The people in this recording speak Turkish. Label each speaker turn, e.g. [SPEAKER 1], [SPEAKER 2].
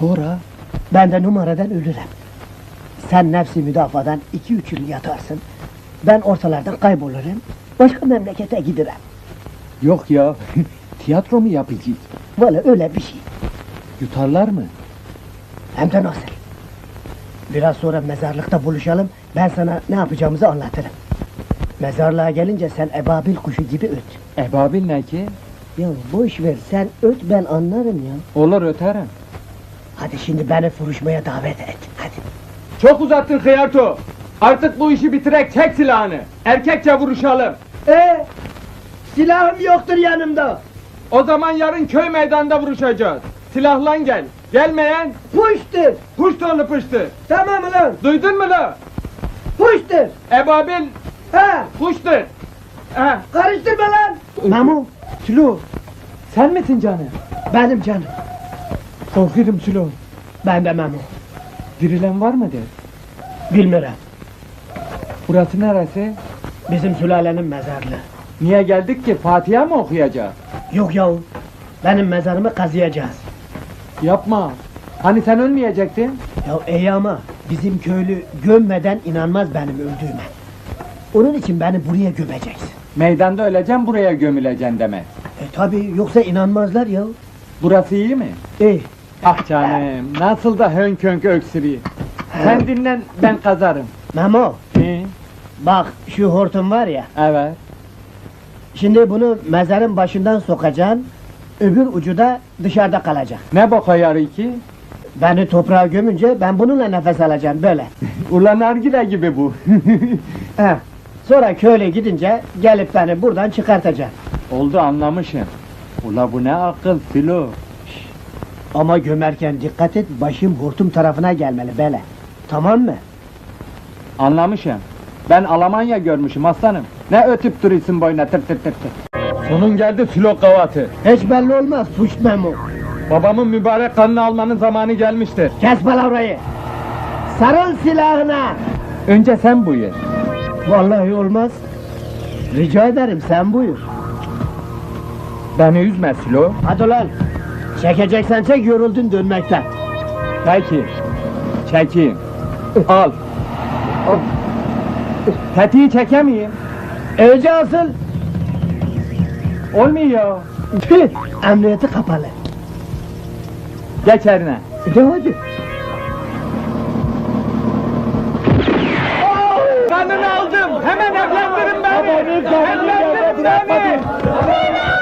[SPEAKER 1] Sonra?
[SPEAKER 2] Ben de numaradan ölürüm. Sen nefsi müdafadan 2-3 yıl yatarsın. Ben ortalardan kaybolurum. Başka memlekete giderim.
[SPEAKER 1] Yok ya, tiyatro mu yapacağız?
[SPEAKER 2] Valla öyle bir şey.
[SPEAKER 1] Yutarlar mı?
[SPEAKER 2] Hem de nasıl? Biraz sonra mezarlıkta buluşalım. Ben sana ne yapacağımızı anlatırım. Mezarlığa gelince sen ebabil kuşu gibi öt.
[SPEAKER 1] Ebabil ne ki?
[SPEAKER 2] Ya boş ver, sen öt, ben anlarım ya.
[SPEAKER 1] Olur, öterim.
[SPEAKER 2] Hadi şimdi beni vuruşmaya davet et. Hadi.
[SPEAKER 1] Çok uzattın Hıyarto. Artık bu işi bitirek, çek silahını. Erkekçe vuruşalım.
[SPEAKER 2] Silahım yoktur yanımda.
[SPEAKER 1] O zaman yarın köy meydanında vuruşacağız. Silahlan gel. Gelmeyen
[SPEAKER 2] Puştur.
[SPEAKER 1] puştonu pıştı.
[SPEAKER 2] Tamam ulan.
[SPEAKER 1] Duydun mu lan?
[SPEAKER 2] Puştur.
[SPEAKER 1] Ebabil
[SPEAKER 2] Ha,
[SPEAKER 1] puştur. Ha.
[SPEAKER 2] karıştırma lan. Memo, Sülo.
[SPEAKER 1] Sen misin canım?
[SPEAKER 2] Benim canım.
[SPEAKER 1] Korkuyorum Sülo.
[SPEAKER 2] Ben de Memo.
[SPEAKER 1] Dirilen var mı de?
[SPEAKER 2] Bilmiyorum.
[SPEAKER 1] Burası neresi?
[SPEAKER 2] Bizim sülalenin mezarlığı.
[SPEAKER 1] Niye geldik ki? Fatiha mı okuyacağız?
[SPEAKER 2] Yok yahu. Benim mezarımı kazıyacağız.
[SPEAKER 1] Yapma. Hani sen ölmeyecektin?
[SPEAKER 2] Ya iyi ama bizim köylü gömmeden inanmaz benim öldüğüme. Onun için beni buraya gömeceksin.
[SPEAKER 1] Meydanda öleceğim, buraya gömüleceksin demek.
[SPEAKER 2] Tabi yoksa inanmazlar ya.
[SPEAKER 1] Burası iyi mi?
[SPEAKER 2] İyi.
[SPEAKER 1] Ah canım, nasıl da hönk hönk öksürüyor. Sen dinlen, ben kazarım.
[SPEAKER 2] Memo,
[SPEAKER 1] Hı,
[SPEAKER 2] bak şu hortum var ya.
[SPEAKER 1] evet.
[SPEAKER 2] Şimdi bunu mezarın başından sokacaksın. Öbür ucu da dışarıda kalacak.
[SPEAKER 1] Ne boka yarı ki?
[SPEAKER 2] Beni toprağa gömünce ben bununla nefes alacağım böyle.
[SPEAKER 1] Ulan nargile gibi bu.
[SPEAKER 2] He. Sonra köyle gidince gelip beni buradan çıkartacaksın.
[SPEAKER 1] Oldu, anlamışım. Ula bu ne akıl Filo.
[SPEAKER 2] Ama gömerken dikkat et, başım hortum tarafına gelmeli böyle. Tamam mı?
[SPEAKER 1] Anlamışım. Ben Almanya görmüşüm aslanım. Ne ötüp duruyorsun boyuna tır tır tır tır. Sonun geldi Filo kavatı.
[SPEAKER 2] Hiç belli olmaz suç Memo.
[SPEAKER 1] Babamın mübarek kanını almanın zamanı gelmiştir.
[SPEAKER 2] Kes palavrayı. Sarıl silahına.
[SPEAKER 1] Önce sen buyur.
[SPEAKER 2] Vallahi olmaz. Rica ederim sen buyur.
[SPEAKER 1] Beni üzme Filo.
[SPEAKER 2] Hadi lan. Çekeceksen çek, yoruldun dönmekten.
[SPEAKER 1] Peki. Çekeyim. Al. Tetiği çekemeyeyim.
[SPEAKER 2] Önce asıl.
[SPEAKER 1] Olmuyor.
[SPEAKER 2] Tüh, emniyeti kapalı.
[SPEAKER 1] Geç eline.
[SPEAKER 2] Hadi.
[SPEAKER 1] Kanını aldım. Hemen evlendirin beni.
[SPEAKER 2] Babanın kanını
[SPEAKER 1] Evlendirin
[SPEAKER 2] bırakmadı.
[SPEAKER 1] beni.